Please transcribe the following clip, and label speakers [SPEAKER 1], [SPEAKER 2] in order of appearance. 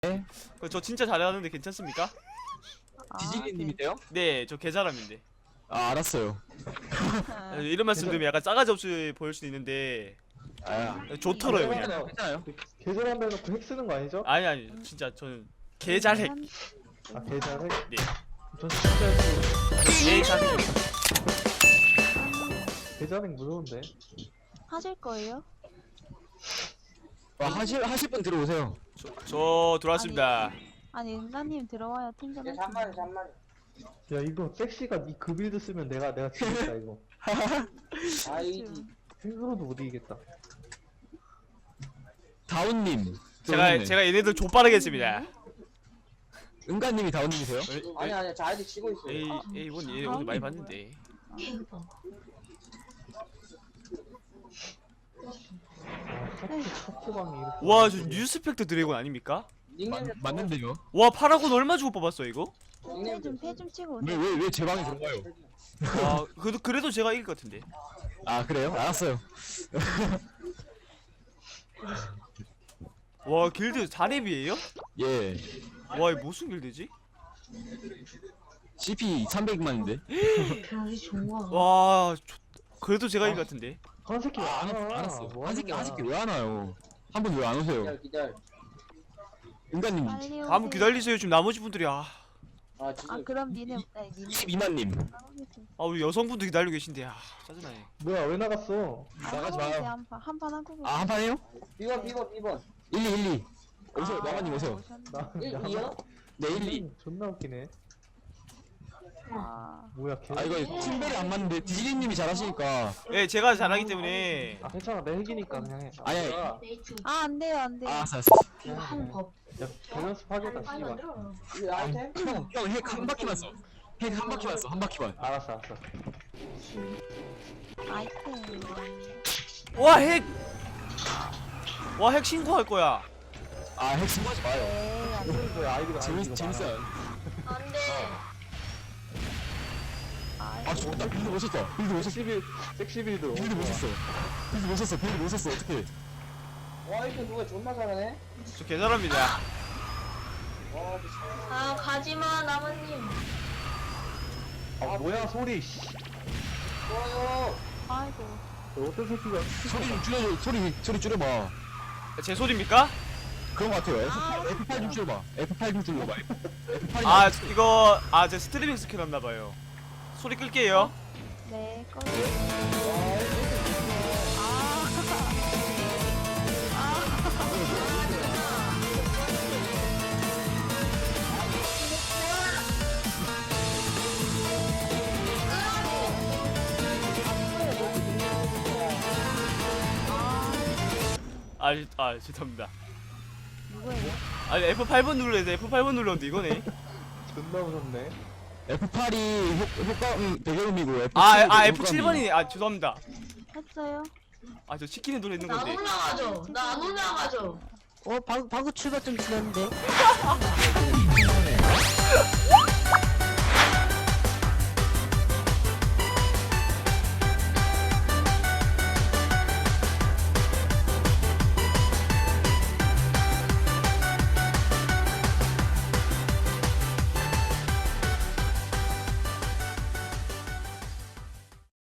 [SPEAKER 1] 저 진짜 잘하는데 괜찮습니까?
[SPEAKER 2] 디지리님이세요?
[SPEAKER 1] 네, 저 개잘함인데.
[SPEAKER 2] 아 알았어요.
[SPEAKER 1] 이런 말씀 드리면 약간 싸가지 없이 보일 수도 있는데 좋더라고요 그냥.
[SPEAKER 2] 괜찮아요.
[SPEAKER 3] 계절한다 해놓고 핵 쓰는 거 아니죠?
[SPEAKER 1] 아니 진짜 저는 개잘핵.
[SPEAKER 3] 아 계절 핵?
[SPEAKER 1] 네.
[SPEAKER 3] 전 진짜
[SPEAKER 1] 개잘핵.
[SPEAKER 3] 계절 핵 무서운데.
[SPEAKER 4] 하실 거예요?
[SPEAKER 2] 하실 분 들어오세요.
[SPEAKER 1] 저 들어왔습니다.
[SPEAKER 4] 아니 은가님 들어와야 팀전 할 수 있는.
[SPEAKER 3] 야 이거 섹시가 그 빌드 쓰면 내가 지겠다 이거. 핵으로도 못 이기겠다.
[SPEAKER 2] 다운님.
[SPEAKER 1] 제가 얘네들 족빠르게 했습니다.
[SPEAKER 2] 은가님이 다운님이세요?
[SPEAKER 5] 아니 저 아이디 치고 있어요.
[SPEAKER 1] 에이 이번 얘 오늘 많이 봤는데.
[SPEAKER 3] 첫 방이 이렇게.
[SPEAKER 1] 와 저 뉴스펙터 드래곤 아닙니까?
[SPEAKER 5] 닉네임
[SPEAKER 2] 맞는데요?
[SPEAKER 1] 와 파라곤 얼마 주고 뽑았어 이거?
[SPEAKER 4] 패좀 치고 오세요.
[SPEAKER 2] 왜 제 방에 들어가요?
[SPEAKER 1] 와 그래도 제가 이길 것 같은데.
[SPEAKER 2] 아 그래요? 알았어요.
[SPEAKER 1] 와 길드 4렙이에요?
[SPEAKER 2] 예.
[SPEAKER 1] 와 이거 무슨 길드지?
[SPEAKER 2] CP 300만인데.
[SPEAKER 1] 와 그래도 제가 이길 것 같은데.
[SPEAKER 3] 한 새끼 안 와.
[SPEAKER 2] 알았어요.
[SPEAKER 3] 뭐
[SPEAKER 2] 한 새끼
[SPEAKER 3] 하는 거야?
[SPEAKER 2] 왜 안 와요? 한 분 왜 안 오세요?
[SPEAKER 5] 기다려.
[SPEAKER 2] 은가님
[SPEAKER 4] 빨리 오세요.
[SPEAKER 1] 한번 기다리세요. 지금 나머지 분들이
[SPEAKER 5] 진짜.
[SPEAKER 4] 아 그럼 니네 니네
[SPEAKER 2] 22만님.
[SPEAKER 1] 우리 여성분도 기다리고 계신데 짜증나네.
[SPEAKER 3] 뭐야 왜 나갔어?
[SPEAKER 2] 나가지 마요.
[SPEAKER 4] 한판 하고 계세요.
[SPEAKER 2] 아 한 판 해요?
[SPEAKER 5] 비번.
[SPEAKER 2] 1212. 오세요. 마마님 오세요.
[SPEAKER 3] 나
[SPEAKER 5] 1-2요?
[SPEAKER 2] 네 12.
[SPEAKER 3] 존나 웃기네.
[SPEAKER 4] 아
[SPEAKER 3] 뭐야 개.
[SPEAKER 2] 아 이거 팀벨이 안 맞는데 디지리님이 잘하시니까.
[SPEAKER 1] 네 제가 잘하기 때문에.
[SPEAKER 3] 아 괜찮아 내 핵이니까 그냥 해.
[SPEAKER 2] 아니, 아니.
[SPEAKER 3] 야
[SPEAKER 4] 안 돼요 안 돼요.
[SPEAKER 2] 알았어.
[SPEAKER 3] 야 밸런스 파괴다 씨발.
[SPEAKER 5] 이거 아이템?
[SPEAKER 2] 형핵 한 바퀴만 써. 핵 한 바퀴만 써. 한 바퀴만.
[SPEAKER 3] 알았어.
[SPEAKER 4] 아이템.
[SPEAKER 1] 와 핵! 와 핵 신고할 거야.
[SPEAKER 2] 아핵 신고하지 마요.
[SPEAKER 4] 네, 안 돼요.
[SPEAKER 3] 뭐야 아이디가
[SPEAKER 2] 재밌어요. 아 죽었다. 빌드 못 썼다. 빌드 못 썼어.
[SPEAKER 3] 섹시 빌드.
[SPEAKER 2] 빌드 못 썼어. 빌드 못 썼어. 빌드 못 썼어. 어떡해.
[SPEAKER 5] 와 이거 누가 존나 잘하네.
[SPEAKER 1] 저 개잘합니다.
[SPEAKER 5] 와 미친.
[SPEAKER 6] 아 가지마 나무님.
[SPEAKER 3] 아 뭐야 소리. 씨.
[SPEAKER 5] 좋아요.
[SPEAKER 4] 아이고.
[SPEAKER 3] 어떤 새끼가.
[SPEAKER 2] 소리 좀 줄여줘. 소리 줄여봐.
[SPEAKER 1] 제 소리입니까?
[SPEAKER 2] 그런 거 같아요. F8 좀 줄여봐. F8 좀 줄여봐. F8.
[SPEAKER 1] 아 이거 제 스트리밍 스킬 없나봐요. 소리 끌게요.
[SPEAKER 4] 네 꺼.
[SPEAKER 1] 죄송합니다.
[SPEAKER 4] 누구예요?
[SPEAKER 1] 아니 F8번 눌러야 돼. F8번 눌렀는데 이거네.
[SPEAKER 3] 존나 무섭네.
[SPEAKER 2] F8이 효과 배경음이고
[SPEAKER 1] F7번이 죄송합니다.
[SPEAKER 4] 했어요?
[SPEAKER 1] 저 치킨에 눌러 있는
[SPEAKER 6] 나 안
[SPEAKER 1] 건데.
[SPEAKER 6] 올라가죠. 나 안 올라가죠.
[SPEAKER 4] 방금 출발 좀 지났는데.